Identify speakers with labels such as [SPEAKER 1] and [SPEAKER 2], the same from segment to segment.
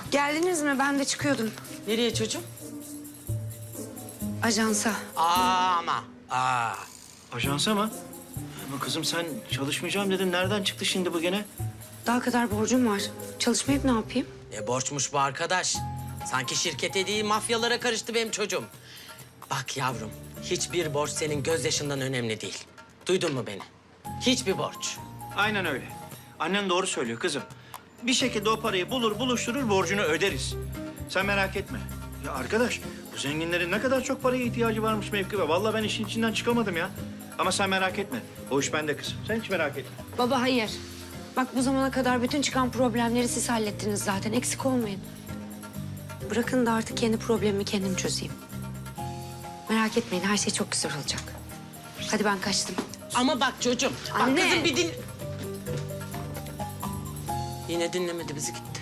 [SPEAKER 1] Geldiniz mi? Ben de çıkıyordum.
[SPEAKER 2] Nereye çocuğum?
[SPEAKER 1] Ajansa.
[SPEAKER 2] Ama.
[SPEAKER 3] Ajansa mı? Ama kızım sen çalışmayacağım dedin. Nereden çıktı şimdi bu gene?
[SPEAKER 1] Daha kadar borcum var. Çalışmayıp ne yapayım?
[SPEAKER 2] Ne borçmuş bu arkadaş? Sanki şirkete değil mafyalara karıştı benim çocuğum. Bak yavrum, hiçbir borç senin gözyaşından önemli değil. Duydun mu beni? Hiçbir borç.
[SPEAKER 3] Aynen öyle. Annen doğru söylüyor kızım. Bir şekilde o parayı bulur, buluşturur, borcunu öderiz. Sen merak etme. Ya arkadaş, bu zenginlerin ne kadar çok paraya ihtiyacı varmış Mevkibe. Vallahi ben işin içinden çıkamadım ya. Ama sen merak etme. O iş bende kızım. Sen hiç merak etme.
[SPEAKER 1] Baba hayır. Bak bu zamana kadar bütün çıkan problemleri siz hallettiniz zaten. Eksik olmayın. Bırakın da artık kendi problemimi kendim çözeyim. Merak etmeyin, her şey çok güzel olacak. Hadi ben kaçtım.
[SPEAKER 2] Ama bak çocuğum,
[SPEAKER 1] Anne.
[SPEAKER 2] bak kızım bir din... Yine dinlemedi bizi gitti.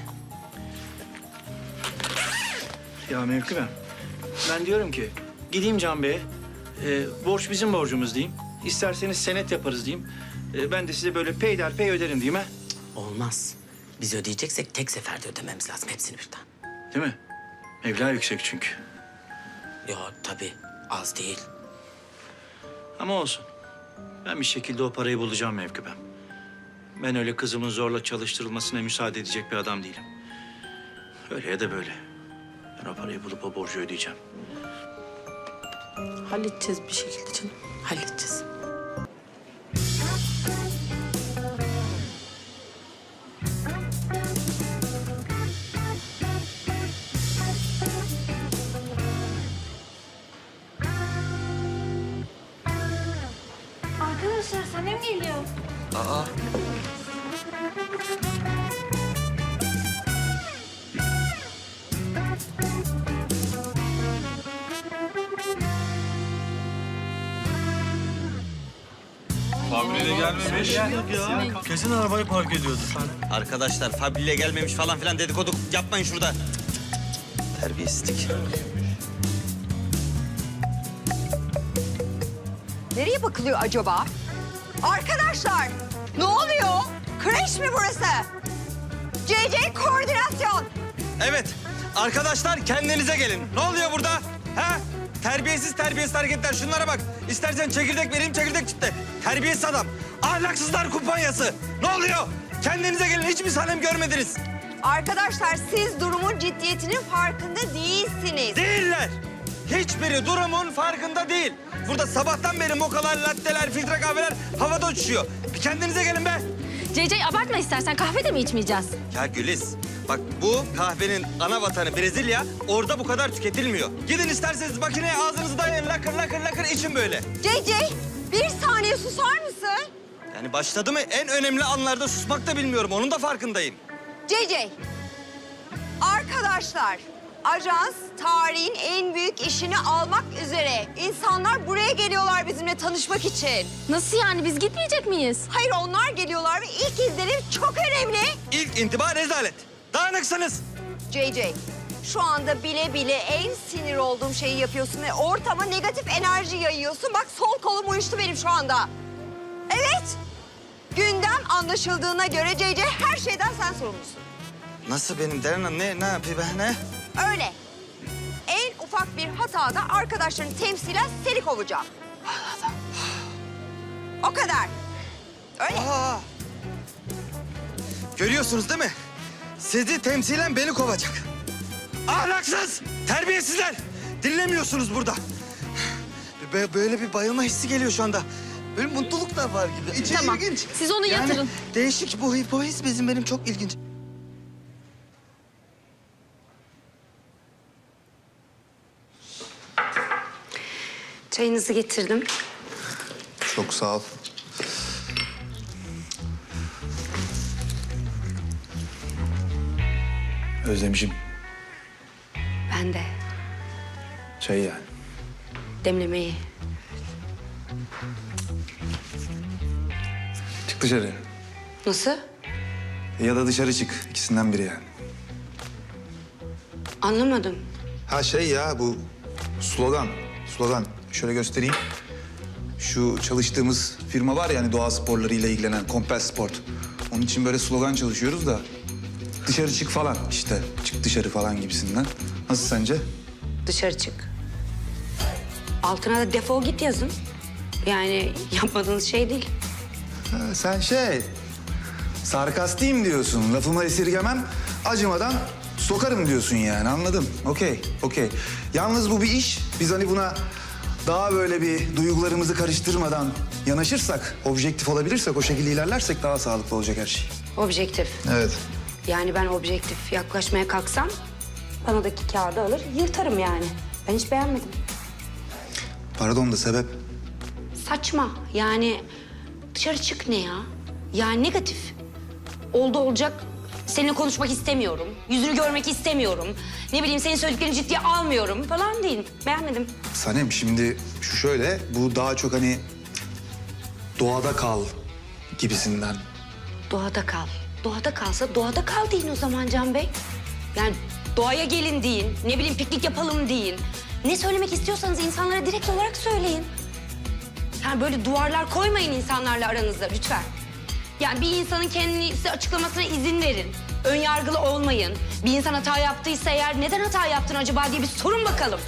[SPEAKER 3] Ya Mevkibe, ben diyorum ki gideyim Can Bey'e. Borç bizim borcumuz diyeyim. İsterseniz senet yaparız diyeyim. Ben de size böyle peyderpey öderim diyeyim ha.
[SPEAKER 2] Olmaz. Biz ödeyeceksek tek seferde ödememiz lazım hepsini birden.
[SPEAKER 3] Değil mi? Meblağ yüksek çünkü.
[SPEAKER 2] Ya tabii az değil.
[SPEAKER 3] Ama olsun. Ben bir şekilde o parayı bulacağım Mevkibem. Ben öyle kızımın zorla çalıştırılmasına müsaade edecek bir adam değilim. Öyle ya da böyle. Ben o parayı bulup o borcu ödeyeceğim.
[SPEAKER 2] Halledeceğiz bir şekilde canım. Halledeceğiz.
[SPEAKER 4] Arkadaşlar Sanem geliyor.
[SPEAKER 5] Fabrile gelmemiş.
[SPEAKER 3] Kesin arabayı park ediyordu.
[SPEAKER 5] Arkadaşlar fabrile gelmemiş falan filan dedikodu yapmayın şurada. Terbiyesizlik.
[SPEAKER 6] Nereye bakılıyor acaba? Arkadaşlar, ne oluyor? Kreş mi burası? CC koordinasyon.
[SPEAKER 5] Evet arkadaşlar kendinize gelin. Ne oluyor burada? Ha? Terbiyesiz hareketler. Şunlara bak. İstersen çekirdek vereyim, çekirdek çıktı. Terbiyesiz adam. Ahlaksızlar kumpanyası. Ne oluyor? Kendinize gelin. Hiç mi Sanem görmediniz?
[SPEAKER 6] Arkadaşlar siz durumun ciddiyetinin farkında değilsiniz.
[SPEAKER 5] Değiller. Hiçbiri durumun farkında değil. Burada sabahtan beri mokalar, latteler, filtre kahveler havada uçuşuyor. Bir kendinize gelin be.
[SPEAKER 4] CC abartma istersen, kahve de mi içmeyeceğiz?
[SPEAKER 5] Ya Güliz, bak bu kahvenin ana vatanı Brezilya. Orada bu kadar tüketilmiyor. Gidin isterseniz makineye ağzınızı dayayın, lakır lakır lakır için böyle.
[SPEAKER 6] CC, bir saniye susar mısın?
[SPEAKER 5] Yani başladı mı en önemli anlarda susmak da bilmiyorum. Onun da farkındayım.
[SPEAKER 6] CC, arkadaşlar, ajans tarihin en büyük işini almak üzere. İnsanlar buraya geliyorlar bizimle tanışmak için.
[SPEAKER 4] Nasıl yani, biz gitmeyecek miyiz?
[SPEAKER 6] Hayır, onlar geliyorlar ve ilk izlenim çok önemli.
[SPEAKER 5] İlk intiba rezalet. Dağınıksınız.
[SPEAKER 6] JJ, şu anda bile bile en sinir olduğum şeyi yapıyorsun ve ortama negatif enerji yayıyorsun. Bak sol kolum uyuştu benim şu anda. Evet, gündem anlaşıldığına göre JJ her şeyden sen sorumlusun.
[SPEAKER 5] Nasıl benim Deren Hanım? Ne yapayım ben? Ne?
[SPEAKER 6] Öyle. En ufak bir hatada arkadaşların temsilen seni kovacağım. O kadar. Öyle.
[SPEAKER 5] Aa! Görüyorsunuz değil mi? Sizi temsilen beni kovacak. Ahlaksız, terbiyesizler. Dinlemiyorsunuz burada. Böyle bir bayılma hissi geliyor şu anda. Böyle mutluluk da var gibi. İçi
[SPEAKER 4] Tamam,
[SPEAKER 5] ilginç.
[SPEAKER 4] siz onu yatırın.
[SPEAKER 5] Değişik bu his benim çok ilginç.
[SPEAKER 1] Çayınızı getirdim.
[SPEAKER 7] Çok sağ ol. Özlemişim
[SPEAKER 1] Ben de.
[SPEAKER 7] çayı yani.
[SPEAKER 1] Demlemeyi.
[SPEAKER 7] Çık dışarı.
[SPEAKER 1] Nasıl?
[SPEAKER 7] Ya da dışarı çık. İkisinden biri yani.
[SPEAKER 1] Anlamadım.
[SPEAKER 7] Ha şey ya bu slogan. Slogan. Şöyle göstereyim. Şu çalıştığımız firma var ya hani doğa sporlarıyla ilgilenen Compel Sport. Onun için böyle slogan çalışıyoruz da dışarı çık falan işte. Çık dışarı falan gibisinden. Nasıl sence?
[SPEAKER 1] Dışarı çık. Altına da defol git yazın. Yani yapmadığınız şey değil.
[SPEAKER 7] Ha, sen sarkastiyim diyorsun. Lafımı esirgemem, acımadan sokarım diyorsun yani. Anladım. Okey. Yalnız bu bir iş. Biz hani buna daha böyle bir duygularımızı karıştırmadan yanaşırsak, objektif olabilirsek, o şekilde ilerlersek daha sağlıklı olacak her şey.
[SPEAKER 1] Objektif.
[SPEAKER 7] Evet.
[SPEAKER 1] Yani ben objektif yaklaşmaya kalksam panodaki kağıdı alır yırtarım yani. Ben hiç beğenmedim.
[SPEAKER 7] Pardon da sebep?
[SPEAKER 1] Saçma. Yani dışarı çık ne ya? Yani negatif. Oldu olacak. Seninle konuşmak istemiyorum. Yüzünü görmek istemiyorum. Ne bileyim senin söylediklerini ciddiye almıyorum falan değil. Beğenmedim.
[SPEAKER 7] Sanem şimdi şu şöyle, bu daha çok hani doğada kal gibisinden.
[SPEAKER 1] Doğada kal. Doğada kalsa doğada kal deyin o zaman Can Bey. Yani doğaya gelin deyin. Ne bileyim piknik yapalım deyin. Ne söylemek istiyorsanız insanlara direkt olarak söyleyin. Yani böyle duvarlar koymayın insanlarla aranızda lütfen. Yani bir insanın kendini size açıklamasına izin verin. Ön yargılı olmayın. Bir insan hata yaptıysa eğer neden hata yaptın acaba diye bir sorun bakalım.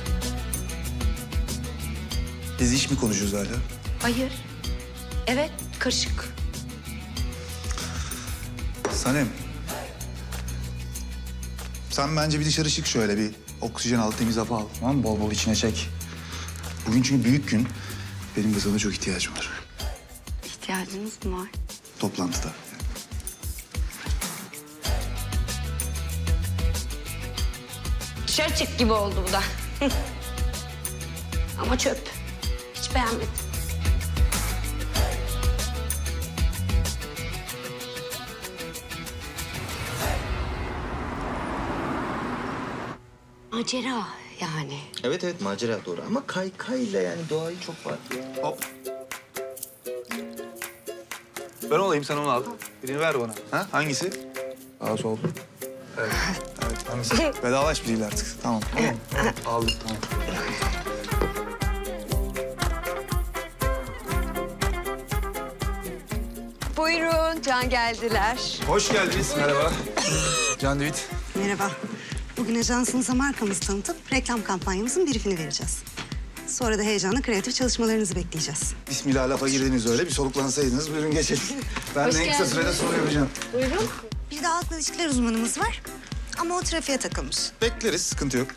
[SPEAKER 7] Biz iş mi konuşuyoruz hala?
[SPEAKER 1] Hayır. Evet, karışık.
[SPEAKER 7] Sanem. Sen bence bir dışarı çık şöyle, bir oksijen al, temiz hava al. Tamam mı? Bol bol içine çek. Bugün çünkü büyük gün. Benim de sana çok ihtiyacım var.
[SPEAKER 1] İhtiyacınız mı var?
[SPEAKER 7] Toplantıda.
[SPEAKER 1] Dışarı çık gibi oldu bu da. Ama çöp. Hiç beğenmedim. Macera yani.
[SPEAKER 5] Evet macera doğru ama kaykayla yani doğayı çok farklı.
[SPEAKER 7] Hop. Ben olayım, sen onu al. Birini ver bana. Ha? Hangisi? Sağ sol. Evet. Evet, hangisi? Vedalaş biriyle artık. Tamam. Aldık, tamam.
[SPEAKER 6] Buyurun, Can geldiler.
[SPEAKER 7] Hoş geldiniz. Merhaba. Can Divit.
[SPEAKER 8] Merhaba. Bugün ajansınıza markamızı tanıtıp reklam kampanyamızın briefini vereceğiz. Sonra da heyecanla kreatif çalışmalarınızı bekleyeceğiz.
[SPEAKER 7] Bismillah, lafa girdiniz öyle. Bir soluklansaydınız. Buyurun geçelim. Ben de en kısa sürede soru yapacağım.
[SPEAKER 8] Bir de halkla ilişkiler uzmanımız var. Ama o trafiğe takılmış.
[SPEAKER 7] Bekleriz, sıkıntı yok.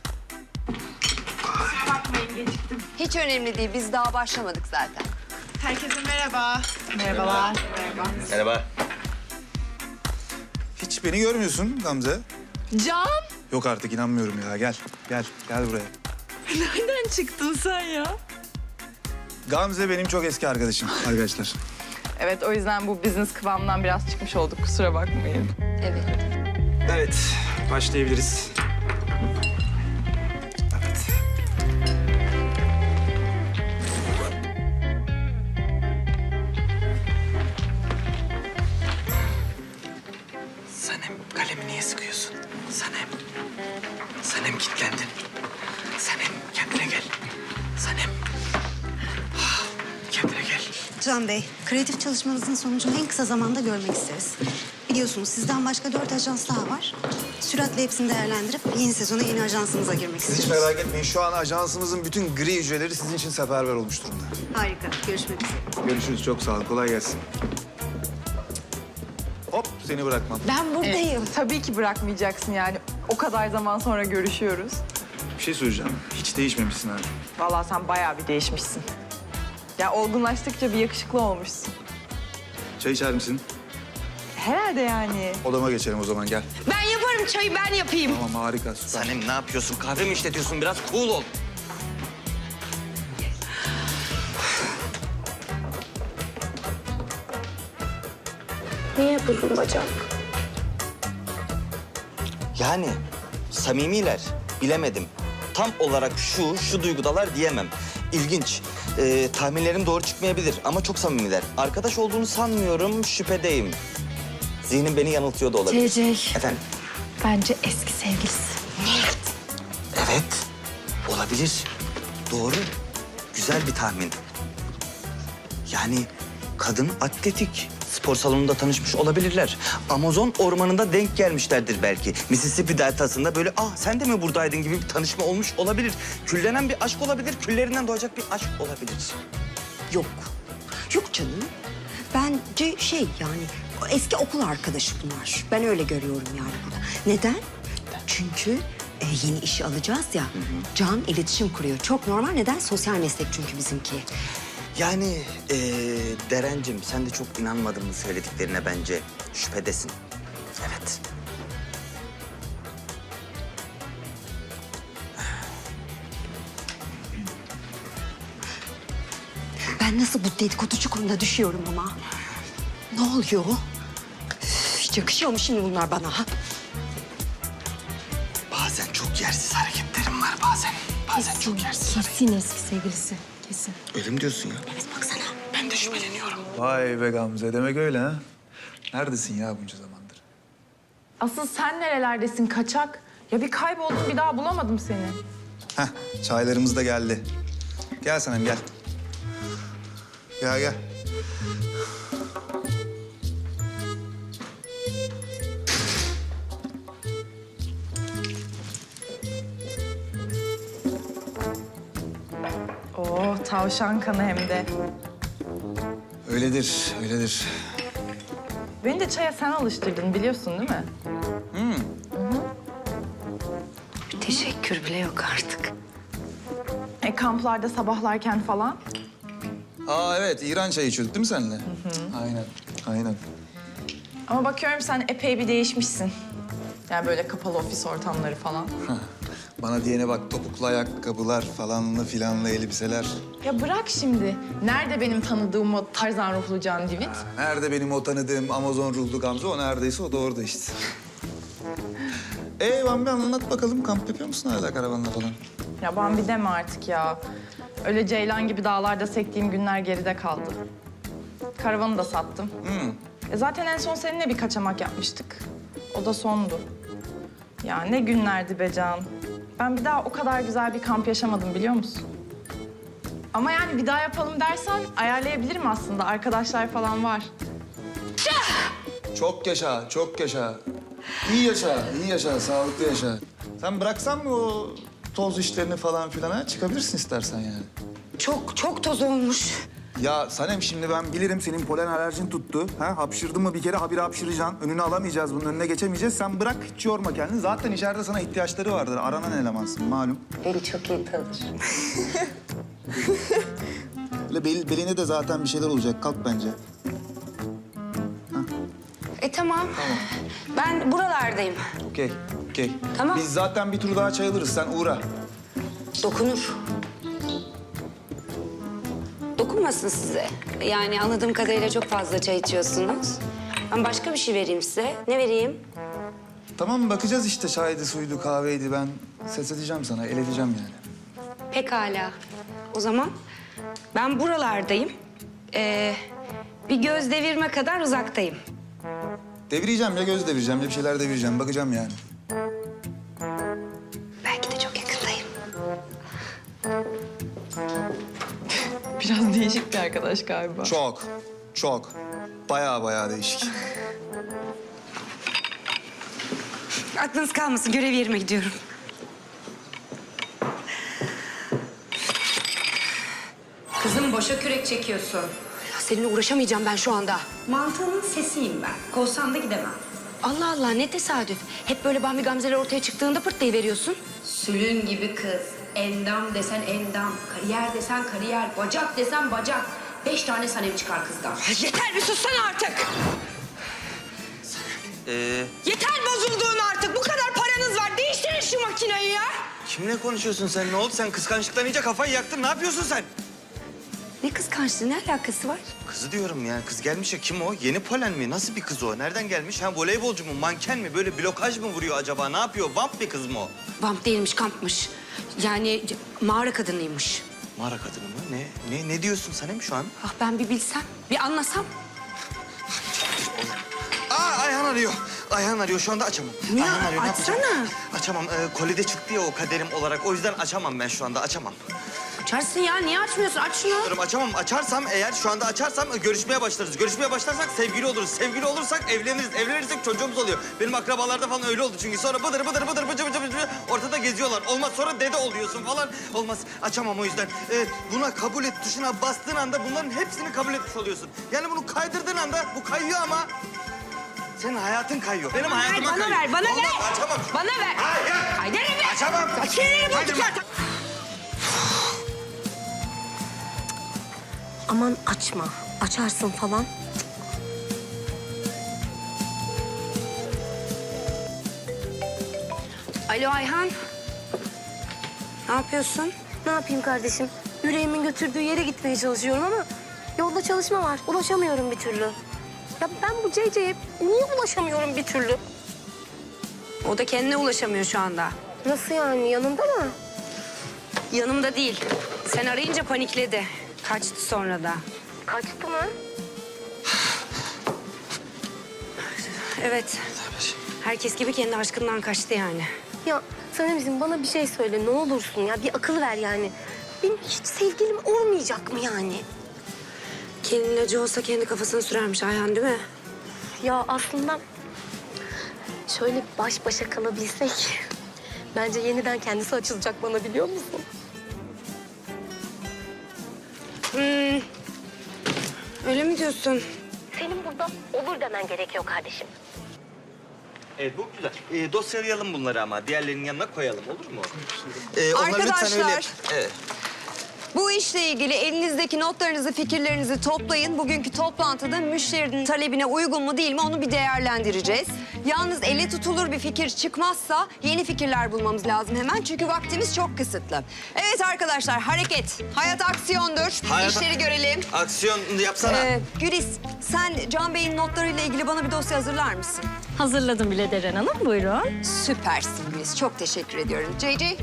[SPEAKER 6] Hiç önemli değil, biz daha başlamadık zaten.
[SPEAKER 9] Herkese merhaba.
[SPEAKER 5] Merhaba.
[SPEAKER 7] Hiç beni görmüyorsun Gamze.
[SPEAKER 9] Can,
[SPEAKER 7] Yok artık, inanmıyorum ya. Gel buraya.
[SPEAKER 9] nereden çıktın sen ya?
[SPEAKER 7] Gamze benim çok eski arkadaşım arkadaşlar.
[SPEAKER 9] Evet, o yüzden bu business kıvamından biraz çıkmış olduk. Kusura bakmayın.
[SPEAKER 6] Evet.
[SPEAKER 7] Evet, başlayabiliriz. Evet.
[SPEAKER 5] Sanem kalemi niye sıkıyorsun? Sanem kilitlendin. Sanem kendine gel. Sanem. Kendine gel.
[SPEAKER 8] Can Bey, kreatif çalışmanızın sonucunu en kısa zamanda görmek isteriz. Biliyorsunuz sizden başka 4 ajans daha var. Süratle hepsini değerlendirip yeni sezona yeni ajansımıza girmek
[SPEAKER 7] Siz hiç
[SPEAKER 8] istiyoruz.
[SPEAKER 7] merak etmeyin. Şu an ajansımızın bütün gri hücreleri sizin için seferber olmuş durumda.
[SPEAKER 8] Harika. Görüşmek üzere.
[SPEAKER 7] Görüşürüz. Çok sağ olun. Kolay gelsin. Hop, seni bırakmam.
[SPEAKER 1] Ben buradayım.
[SPEAKER 9] Tabii ki bırakmayacaksın yani. O kadar zaman sonra görüşüyoruz.
[SPEAKER 7] Bir şey söyleyeceğim. Hiç değişmemişsin abi.
[SPEAKER 9] Vallahi sen bayağı bir değişmişsin. Ya olgunlaştıkça bir yakışıklı olmuşsun.
[SPEAKER 7] Çay içer misin?
[SPEAKER 9] Herhalde yani.
[SPEAKER 7] Odama geçelim o zaman, gel.
[SPEAKER 1] Ben yaparım çayı, ben yapayım.
[SPEAKER 7] Tamam, harika, süper.
[SPEAKER 5] Sanem ne yapıyorsun? Kahve mi işletiyorsun? Biraz cool ol.
[SPEAKER 1] Niye yapıldın bacak?
[SPEAKER 10] Yani samimiler, bilemedim. Tam olarak şu duygudalar diyemem. İlginç. Tahminlerim doğru çıkmayabilir ama çok samimiler. Arkadaş olduğunu sanmıyorum, şüphedeyim. Zihnim beni yanıltıyor da olabilir.
[SPEAKER 4] CC.
[SPEAKER 10] Efendim?
[SPEAKER 4] Bence eski sevgilisi.
[SPEAKER 10] Evet, olabilir. Doğru. Güzel bir tahmin. Yani kadın atletik, spor salonunda tanışmış olabilirler. Amazon ormanında denk gelmişlerdir belki. Mississippi deltasında böyle sen de mi buradaydın gibi bir tanışma olmuş olabilir. Küllenen bir aşk olabilir, küllerinden doğacak bir aşk olabilir.
[SPEAKER 6] Yok. Yok canım. Bence yani o eski okul arkadaşı bunlar. Ben öyle görüyorum yani burada. Neden? Çünkü yeni işi alacağız ya. Can iletişim kuruyor. Çok normal. Neden? Sosyal meslek çünkü bizimki.
[SPEAKER 10] Yani Derencim sen de çok inanmadın mı söylediklerine bence? Şüphedesin. Evet.
[SPEAKER 6] Ben nasıl bu dedikodu çukuruna düşüyorum ama? Ne oluyor? Hiç yakışıyor mu şimdi bunlar bana? Ha?
[SPEAKER 10] Bazen çok yersiz hareketlerim var bazen. Bazen çok yersiz
[SPEAKER 4] Kesin eski sevgilisi. Kesin.
[SPEAKER 10] Öyle mi diyorsun ya?
[SPEAKER 6] Evet baksana.
[SPEAKER 10] Ben de şüpheleniyorum.
[SPEAKER 7] Vay be Gamze, demek öyle ha? Neredesin ya bunca zamandır?
[SPEAKER 9] Asıl sen nerelerdesin kaçak? Ya bir kayboldum bir daha bulamadım seni.
[SPEAKER 7] Heh, çaylarımız da geldi. Gel Sanem, gel. Gel, gel.
[SPEAKER 9] Oo tavşan kanı hem de.
[SPEAKER 7] Öyledir, öyledir.
[SPEAKER 9] Beni de çaya sen alıştırdın biliyorsun değil mi?
[SPEAKER 1] Teşekkür bile yok artık.
[SPEAKER 9] Kamplarda sabahlarken falan.
[SPEAKER 7] Aa evet, İran çayı içiyorduk değil mi seninle? Aynen, aynen.
[SPEAKER 9] Ama bakıyorum sen epey bir değişmişsin. Yani böyle kapalı ofis ortamları falan.
[SPEAKER 7] Bana diyene bak, topuklu ayakkabılar falanlı filanlı elbiseler.
[SPEAKER 9] Ya bırak şimdi. Nerede benim tanıdığım o Tarzan ruhlu Can Divit?
[SPEAKER 7] Nerede benim o tanıdığım Amazon ruhlu Gamze? O neredeyse o da orada işte. Bana bir anlat bakalım. Kamp yapıyor musun hala karavanla falan?
[SPEAKER 9] Ya Bambi deme artık ya. Öyle ceylan gibi dağlarda sektiğim günler geride kaldı. Karavanı da sattım. Zaten en son seninle bir kaçamak yapmıştık. O da sondu. Ya ne günlerdi be Can. Ben bir daha o kadar güzel bir kamp yaşamadım biliyor musun? Ama yani bir daha yapalım dersen ayarlayabilirim aslında. Arkadaşlar falan var.
[SPEAKER 7] Çok yaşa, çok yaşa. İyi yaşa, iyi yaşa, sağlıklı yaşa. Sen bıraksan mı o toz işlerini falan filan ha? Çıkabilirsin istersen yani.
[SPEAKER 1] Çok toz olmuş.
[SPEAKER 7] Ya Sanem, şimdi ben bilirim senin polen alerjin tuttu. Ha? Hapşırdın mı bir kere habire hapşıracaksın. Önünü alamayacağız, bunun önüne geçemeyeceğiz. Sen bırak, hiç yorma kendini. Zaten içeride sana ihtiyaçları vardır. Aranan elemansın malum.
[SPEAKER 1] Beni çok iyi tanır.
[SPEAKER 7] Öyle beline de zaten bir şeyler olacak. Kalk bence.
[SPEAKER 1] Tamam. Ben buralardayım.
[SPEAKER 7] Okey, okey.
[SPEAKER 1] Tamam.
[SPEAKER 7] Biz zaten bir tur daha çay alırız. Sen uğra.
[SPEAKER 1] Dokunur. Dokunmasın size. Yani anladığım kadarıyla çok fazla çay içiyorsunuz. Ben başka bir şey vereyim size. Ne vereyim?
[SPEAKER 7] Tamam, bakacağız işte. Çaydı, suydu, kahveydi. Ben ses edeceğim sana, el edeceğim yani.
[SPEAKER 1] Pekala. O zaman ben buralardayım. Bir göz devirme kadar uzaktayım.
[SPEAKER 7] Devireceğim ya, göz devireceğim ya bir şeyler devireceğim. Bakacağım yani.
[SPEAKER 1] Belki de çok yakındayım.
[SPEAKER 9] Biraz değişik bir arkadaş galiba.
[SPEAKER 7] Çok, çok. Bayağı değişik.
[SPEAKER 1] Aklınız kalmasın. Görev yerime gidiyorum. Kızım boşa kürek çekiyorsun. Ya seninle uğraşamayacağım ben şu anda. Mantığının sesiyim ben. Kovsan da gidemem. Allah Allah ne tesadüf. Hep böyle Bambi Gamze'ler ortaya çıktığında pırtlayıveriyorsun. Sülün gibi kız. Endam desen endam. Kariyer desen kariyer. Bacak desen bacak. 5 tane Sanem çıkar kızdan. Yeter bir sussana artık.
[SPEAKER 10] Yeter
[SPEAKER 1] Bozulduğun artık. Bu kadar paranız var. Değiştirin şu makineyi ya.
[SPEAKER 10] Kimle konuşuyorsun sen? Ne oldu? Sen kıskançlıktan iyice kafayı yaktın. Ne yapıyorsun sen?
[SPEAKER 1] Ne kıskançlığı, ne alakası var?
[SPEAKER 10] Kızı diyorum yani. Kız gelmiş ya. Kim o? Yeni polen mi? Nasıl bir kız o? Nereden gelmiş? Ha voleybolcu mu? Manken mi? Böyle blokaj mı vuruyor acaba? Ne yapıyor? Vamp bir kız mı o?
[SPEAKER 1] Vamp değilmiş, kampmış. Yani mağara kadınıymış.
[SPEAKER 10] Mağara kadını mı? Ne diyorsun Sanem şu an?
[SPEAKER 1] Ah ben bir bilsem, bir anlasam.
[SPEAKER 10] Ayhan arıyor. Ayhan arıyor. Şu anda açamam.
[SPEAKER 1] Ya,
[SPEAKER 10] Ayhan arıyor. Ne
[SPEAKER 1] açsana.
[SPEAKER 10] yapacağım? Açamam. Kolide çıktı ya o kaderim olarak. O yüzden açamam ben şu anda. Açamam.
[SPEAKER 1] Açarsın ya. Niye açmıyorsun? Aç şunu.
[SPEAKER 10] Diyorum açamam. Açarsam eğer şu anda açarsam görüşmeye başlarız. Görüşmeye başlarsak sevgili oluruz. Sevgili olursak evleniriz. Evlenirsek çocuğumuz oluyor. Benim akrabalarda falan öyle oldu çünkü sonra bıdır bıdır bıdır bıcı bıcı bıcı ortada geziyorlar. Olmaz sonra dede oluyorsun falan. Olmaz. Açamam o yüzden. Buna kabul et tuşuna bastığın anda bunların hepsini kabul etmiş oluyorsun. Yani bunu kaydırdığın anda bu kayıyor ama senin hayatın kayıyor. Benim hayatıma
[SPEAKER 1] bana
[SPEAKER 10] kayıyor.
[SPEAKER 1] ver, bana
[SPEAKER 10] Olmaz,
[SPEAKER 1] ver.
[SPEAKER 10] Açamam.
[SPEAKER 1] Bana ver.
[SPEAKER 10] Hayır.
[SPEAKER 1] Kaydırırım be.
[SPEAKER 10] Açamam.
[SPEAKER 1] Kaydırırım.
[SPEAKER 11] Aman açma. Açarsın falan.
[SPEAKER 1] Alo Ayhan. Ne yapıyorsun?
[SPEAKER 11] Ne yapayım kardeşim? Yüreğimin götürdüğü yere gitmeye çalışıyorum ama yolda çalışma var. Ulaşamıyorum bir türlü. Ya ben bu CC'ye niye ulaşamıyorum bir türlü?
[SPEAKER 1] O da kendine ulaşamıyor şu anda.
[SPEAKER 11] Nasıl yani? Yanında mı?
[SPEAKER 1] Yanımda değil. Sen arayınca panikledi. Kaçtı sonra da.
[SPEAKER 11] Kaçtı mı?
[SPEAKER 1] Evet. Herkes gibi kendi aşkından kaçtı yani.
[SPEAKER 11] Ya Sanemciğim bana bir şey söyle ne olursun ya. Bir akıl ver yani. Benim hiç sevgilim olmayacak mı yani?
[SPEAKER 1] Kelinin acı olsa kendi kafasına sürermiş Ayhan değil mi?
[SPEAKER 11] Ya aslında şöyle baş başa kalabilsek bence yeniden kendisi açılacak bana biliyor musun?
[SPEAKER 1] Öyle mi diyorsun?
[SPEAKER 11] Senin burada olur demen gerekiyor kardeşim.
[SPEAKER 10] Evet bu güzel. Dosyalayalım bunları ama diğerlerinin yanına koyalım olur mu?
[SPEAKER 6] Arkadaşlar.
[SPEAKER 10] Evet.
[SPEAKER 6] Bu işle ilgili elinizdeki notlarınızı, fikirlerinizi toplayın. Bugünkü toplantıda müşterinin talebine uygun mu değil mi onu bir değerlendireceğiz. Yalnız elle tutulur bir fikir çıkmazsa yeni fikirler bulmamız lazım hemen. Çünkü vaktimiz çok kısıtlı. Evet arkadaşlar hareket. Hayat aksiyondur.
[SPEAKER 10] Hayat-
[SPEAKER 6] İşleri görelim.
[SPEAKER 10] Aksiyon yapsana.
[SPEAKER 6] Güliz sen Can Bey'in notlarıyla ilgili bana bir dosya hazırlar mısın?
[SPEAKER 4] Hazırladım bile Deren Hanım. Buyurun.
[SPEAKER 6] Süpersin Güliz. Çok teşekkür ediyorum. JJ?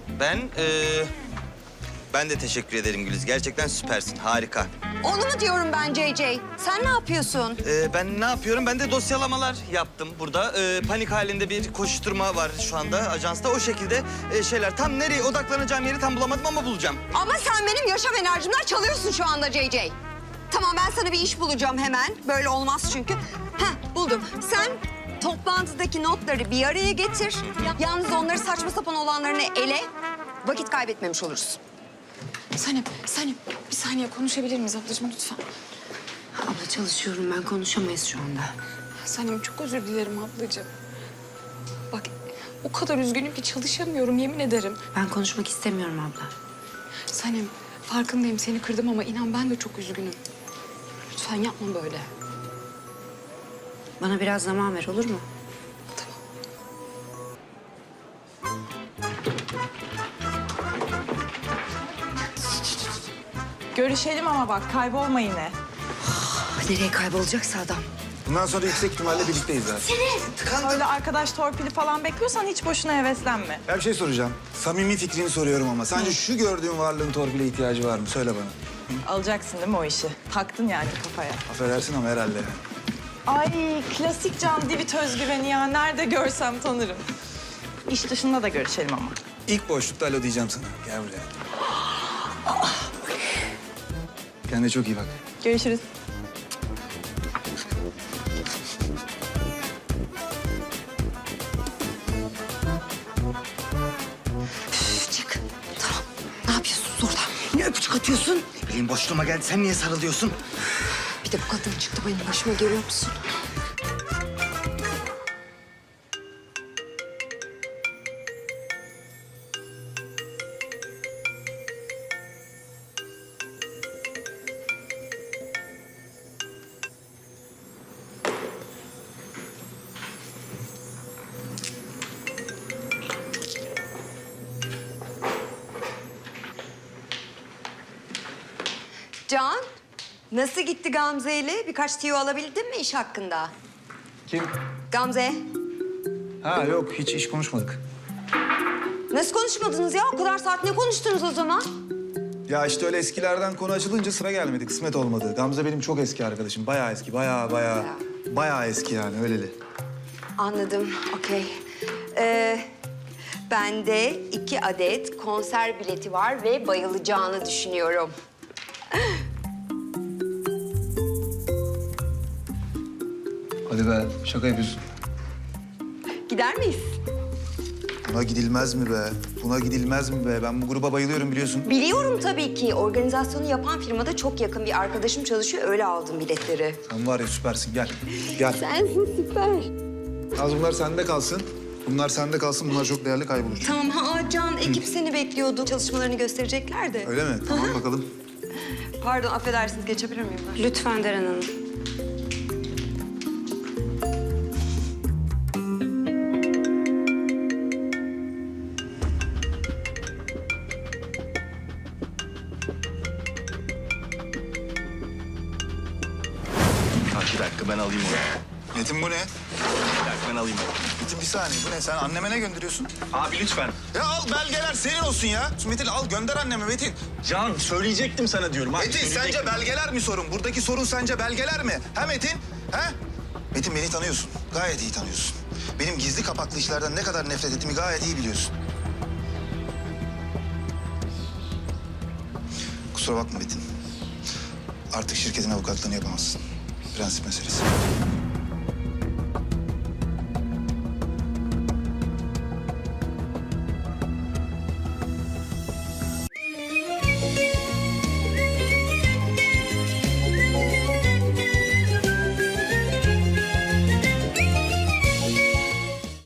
[SPEAKER 10] Ben de teşekkür ederim Güliz. Gerçekten süpersin. Harika.
[SPEAKER 6] Onu mu diyorum ben JJ? Sen ne yapıyorsun?
[SPEAKER 10] Ben ne yapıyorum? Ben de dosyalamalar yaptım burada. Panik halinde bir koşturma var şu anda ajansta. O şekilde şeyler. Tam nereye odaklanacağım yeri tam bulamadım ama bulacağım.
[SPEAKER 6] Ama sen benim yaşam enerjimden çalıyorsun şu anda JJ. Tamam ben sana bir iş bulacağım hemen. Böyle olmaz çünkü. Buldum. Sen toplantıdaki notları bir araya getir. Yalnız onları saçma sapan olanlarını ele. Vakit kaybetmemiş oluruz.
[SPEAKER 4] Sanem bir saniye konuşabilir miyiz ablacığım lütfen?
[SPEAKER 1] Abla çalışıyorum ben konuşamayız şu anda.
[SPEAKER 4] Sanem çok özür dilerim ablacığım. Bak o kadar üzgünüm ki çalışamıyorum yemin ederim.
[SPEAKER 1] Ben konuşmak istemiyorum abla.
[SPEAKER 4] Sanem farkındayım seni kırdım ama inan ben de çok üzgünüm. Lütfen yapma böyle.
[SPEAKER 1] Bana biraz zaman ver olur mu?
[SPEAKER 9] Görüşelim ama bak kaybolma yine.
[SPEAKER 1] Nereye kaybolacaksa adam.
[SPEAKER 7] Bundan sonra yüksek ihtimalle birlikteyiz zaten.
[SPEAKER 9] Öyle arkadaş torpili falan bekliyorsan hiç boşuna heveslenme.
[SPEAKER 7] Ya bir şey soracağım. Samimi fikrini soruyorum ama. Sence şu gördüğün varlığın torpile ihtiyacı var mı? Söyle bana.
[SPEAKER 9] Alacaksın değil mi o işi? Taktın yani kafaya.
[SPEAKER 7] Affedersin ama herhalde.
[SPEAKER 9] Ay klasik Can Divit özgüveni ya. Nerede görsem tanırım. İş dışında da görüşelim ama.
[SPEAKER 7] İlk boşlukta alo diyeceğim sana. Gel buraya. Kendine çok iyi bak.
[SPEAKER 9] Görüşürüz.
[SPEAKER 6] Çık. Tamam. Ne yapıyorsunuz orada?
[SPEAKER 10] Ne öpücük atıyorsun? Ne bileyim boşluğuma geldi. Sen niye sarılıyorsun?
[SPEAKER 6] Bir de bu kadın çıktı benim başıma görüyor musun? Can, nasıl gitti Gamze ile? Birkaç tiyo alabildin mi iş hakkında?
[SPEAKER 7] Kim?
[SPEAKER 6] Gamze,
[SPEAKER 7] Ha yok hiç iş konuşmadık.
[SPEAKER 6] nasıl konuşmadınız ya? O kadar saat ne konuştunuz o zaman?
[SPEAKER 7] Ya işte öyle eskilerden konu açılınca sıra gelmedi. Kısmet olmadı. Gamze benim çok eski arkadaşım. Bayağı eski. Bayağı eski yani öyleli.
[SPEAKER 6] Anladım, okey. Ben de 2 adet konser bileti var ve bayılacağını düşünüyorum.
[SPEAKER 7] Hadi be, şaka yapıyorsun.
[SPEAKER 6] Gider miyiz?
[SPEAKER 7] Buna gidilmez mi be? Buna gidilmez mi be? Ben bu gruba bayılıyorum biliyorsun.
[SPEAKER 6] Biliyorum tabii ki. Organizasyonu yapan firmada çok yakın bir arkadaşım çalışıyor. Öyle aldım biletleri.
[SPEAKER 7] Sen var ya süpersin, gel. Gel.
[SPEAKER 6] Sensin süper.
[SPEAKER 7] Az bunlar sende kalsın. Bunlar sende kalsın, bunlar çok değerli kaybolur.
[SPEAKER 6] Tamam Can, ekip seni bekliyordu. Çalışmalarını gösterecekler de.
[SPEAKER 7] Öyle mi? Tamam bakalım.
[SPEAKER 6] Pardon, affedersiniz. Geçebilir miyim ben?
[SPEAKER 1] Lütfen Deren Hanım.
[SPEAKER 3] Bir dakika ben alayım onu.
[SPEAKER 7] Metin bu ne?
[SPEAKER 3] Bir dakika ben alayım onu.
[SPEAKER 7] Metin bir saniye, bu ne? Sen anneme ne gönderiyorsun?
[SPEAKER 3] Abi lütfen.
[SPEAKER 7] Ya al belgeler senin olsun ya. Metin al gönder anneme Metin.
[SPEAKER 3] Can söyleyecektim sana diyorum. Abi,
[SPEAKER 7] Metin sence belgeler mi sorun? Buradaki sorun sence belgeler mi? Ha Metin? Ha? Metin beni tanıyorsun. Gayet iyi tanıyorsun. Benim gizli kapaklı işlerden ne kadar nefret ettiğimi gayet iyi biliyorsun. Kusura bakma Metin. Artık şirketin avukatlığını yapamazsın. Prensip meselesi.